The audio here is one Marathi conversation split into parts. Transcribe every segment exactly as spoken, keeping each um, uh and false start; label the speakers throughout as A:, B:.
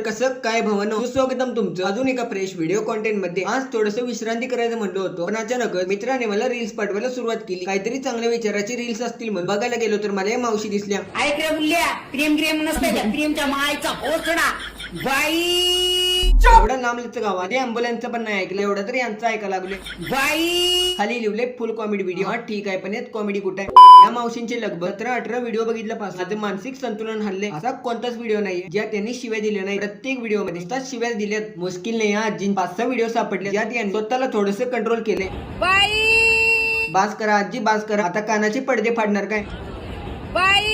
A: कसं काय भवनो, सुस्वागतम तुमचं अजून एका फ्रेश व्हिडिओ कॉन्टेंट मध्ये। आज थोडंसं विश्रांती करायचं म्हणलो होतो, पण अचानक मित्राने मला रील्स पाठवायला सुरुवात केली। काहीतरी चांगल्या विचाराची रील्स असतील म्हणून बघायला गेलो तर मला या मावशी दिसल्या।
B: ऐकलं बुल्ल्या, प्रेम प्रेम नसतं त्या प्रेमच्या मायचा पोचडा बाई।
A: एवढा लांबलचं गाव आधी अँब्युलन्सचं पण नाही ऐकलं, एवढं तरी यांचं ऐकायला लागले
B: बाई।
A: खाली लिहिले फुल कॉमेडी व्हिडिओ। हा ठीक आहे, पण यात कॉमेडी कुठे आहे? या मावशींचे लगभग सतरा अठरा व्हिडिओ बघितल्यापासून माझं मानसिक संतुलन हल्ले असा कोणताच व्हिडिओ नाहीये ज्यात त्यांनी शिव्या दिल्या नाही। प्रत्येक व्हिडिओ मध्ये शिव्या दिल्यात। मुश्किल नाही, आजी पाच सहा व्हिडिओ सापडले ज्यात यांनी स्वतःला थोडस कंट्रोल केले।
B: बाई
A: बास करा आजी, बास करा, आता कानाचे पडदे फाडणार काय?
B: बाई।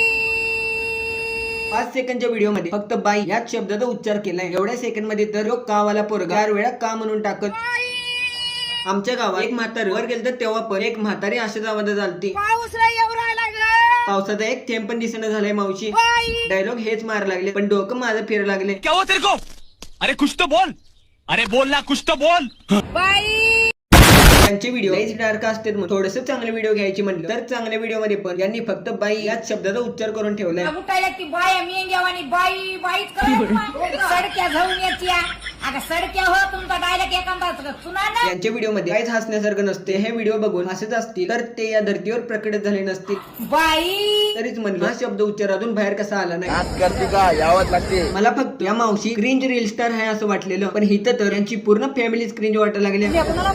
A: पाच सेकंडच्या व्हिडिओ मध्ये फक्त बाई याच शब्दाचा उच्चार केलाय। एवढ्या सेकंड मध्ये तर कावाला पोरगा चार वेळा का म्हणून टाकत। आमच्या गावात एक म्हातारी वर गेलं तर तेव्हा पण एक म्हातारी अशाच आवाजात चालती। पावसाचा एक थेंब पण दिसणं झालंय मावशी। डायलॉग हेच मार लागले, पण डोकं माझं फिर लागले।
C: क्या हुआ तेरे को? अरे कुछ तो बोल, अरे बोल ना, कुछ तो बोल।
A: त्यांचे व्हिडिओ डार्क असतात, मग थोडस चांगले व्हिडिओ घ्यायची म्हणलं तर चांगल्या व्हिडिओ मध्ये पण यांनी फक्त बाई याच शब्दाचा उच्चार करून ठेवलाय।
B: उठायला की बाय मेंग्यावानी बाई बाईच करत सडक्या जाऊन येत्या। अगं सडक्या हो, तुमचा डायलॉग एखादा सुना ना।
A: यांच्या व्हिडिओ मध्ये काहीच हसण्यासारखं नसते। हे व्हिडिओ बघून हसत असतील तर ते या धर्तीवर प्रकट झाले नसतील।
B: बाई
A: तरीच म्हणलं हा शब्द उच्चारातून बाहेर कसा आला नाही।
D: करते का यावत लागते।
A: मला फक्त या मावशी क्रिंज रील स्टार आहे असं वाटलेलं, पण हिथं तर यांची पूर्ण फॅमिलीच क्रिंज वाटायला लागली।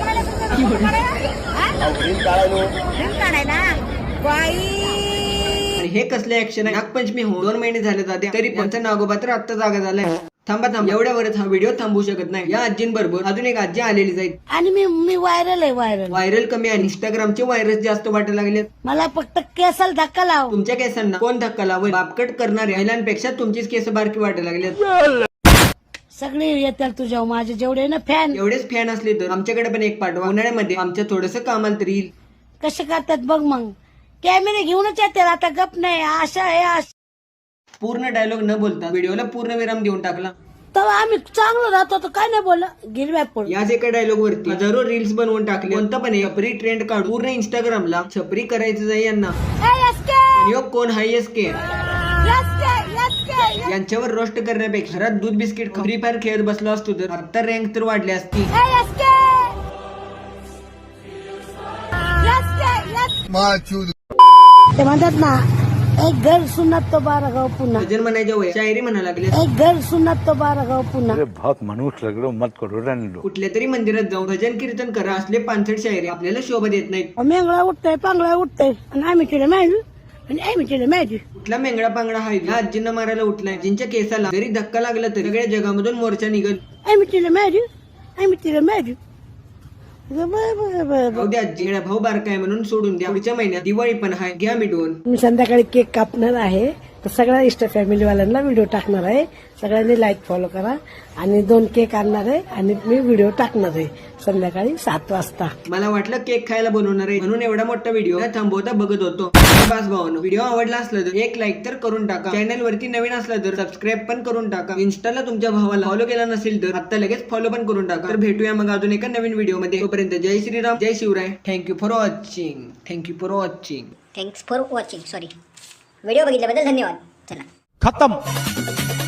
A: हे कसले ऍक्शन आहे? नागपंचमी हो दोन महिने झाले जाते तरी त्यांचा नागोबा तर आत्ता जागा झालाय। थांबा थांबा, एवढ्यावरच हा व्हिडिओ थांबू शकत नाही। या आजींबरोबर अजून एक आजी आलेली जाईल
E: आणि मी मी व्हायरल आहे व्हायरल
A: व्हायरल कमी आणि इंस्टाग्रामचे व्हायरस जास्त वाटायला लागले।
E: मला फक्त केसाला धक्का लाव।
A: तुमच्या केसांना कोण धक्का लावल? बापकट करणाऱ्या महिलांपेक्षा तुमचीच केस बारकी वाटायला लागले।
E: सगळे येतात तुझ्या माझे जेवढे ना फॅन
A: एवढेच फॅन असले तर आमच्याकडे पण एक पाठवा। उन्हाळ्यामध्ये आमच्या थोडस कामाला तरी येईल।
E: कसे करतात बघ, मग कॅमेरे घेऊनच येतात। आता गप नाही, आशा आहे।
A: पूर्ण डायलॉग न बोलता व्हिडिओला पूर्ण विराम देऊन टाकला।
E: तेव्हा आम्ही चांगलं राहतो तर काय नाही बोलला गिरव्या पड।
A: याच एका डायलॉग वरती हजारो रील्स बनवून टाकले। कोणता पण छपरी ट्रेंड काढून पूर्ण इंस्टाग्रामला छपरी करायचं जाई यांना। आणि कोण हाय एस के यांच्यावर रोस्ट करण्यापेक्षा घरात दूध बिस्किट फ्री फायर खेळत बसलो असतो तर आता रँक तर वाढली असती।
E: ते म्हणतात ना, एक घर सुनत तो बारा गाव पुन्हा।
A: भजन म्हणायच्या वय शायरी म्हणा लागले।
E: एक घर सुनत तो बारा गाव पुन्हा।
D: बहुत मनुष्य लग रहे हो, मत करो रहने दो।
A: कुठल्या तरी मंदिरात जाऊन भजन कीर्तन करा, असले पानसट शायरी आपल्याला शोभा देत नाहीत।
E: मेंगळा उठतोय पांगळा उठतोय आणि आम्ही तिला माहिती आणि आम्ही तिला माहिती
A: कुठला मेंगडा पांगडा हाय? या आजींना मारायला उठलाय, जिंच्या केसाला जरी धक्का लागला तर सगळ्या जगामधून मोर्चा निघल।
E: आम्ही तिला माहिती आम्ही तिला माहिती
A: उद्या आजी भाऊ बारकाय म्हणून सोडून द्या। पुढच्या महिन्यात दिवाळी पण आहे, घ्या मिटवून।
E: मी संध्याकाळी केक कापणार आहे, तर सगळ्या इष्ट फॅमिलीवाल्यांना व्हिडिओ टाकणार आहे। सगळ्यांनी लाईक फॉलो करा आणि दोन केक आणणार आहे आणि मी व्हिडिओ टाकणार आहे संध्याकाळी सात वाजता।
A: मला वाटलं केक खायला बनवणार आहे म्हणून एवढा मोठा व्हिडिओ थांबवता बघत होतो। बस भावानो, व्हिडिओ आवडला असला तर एक लाईक तर करून टाका। चॅनल वरती नवीन असला तर सबस्क्राईब पण करून टाका। इन्स्टाला तुमच्या भावाला फॉलो केला नसेल तर आता लगेच फॉलो पण करून टाका। तर भेटूया मग अजून एका नवीन व्हिडिओ मध्ये। तोपर्यंत जय श्रीराम, जय Shivrai. Thank you for watching thank you for watching
F: thanks for watching sorry video बघितल्याबद्दल धन्यवाद। चला
C: खत्म।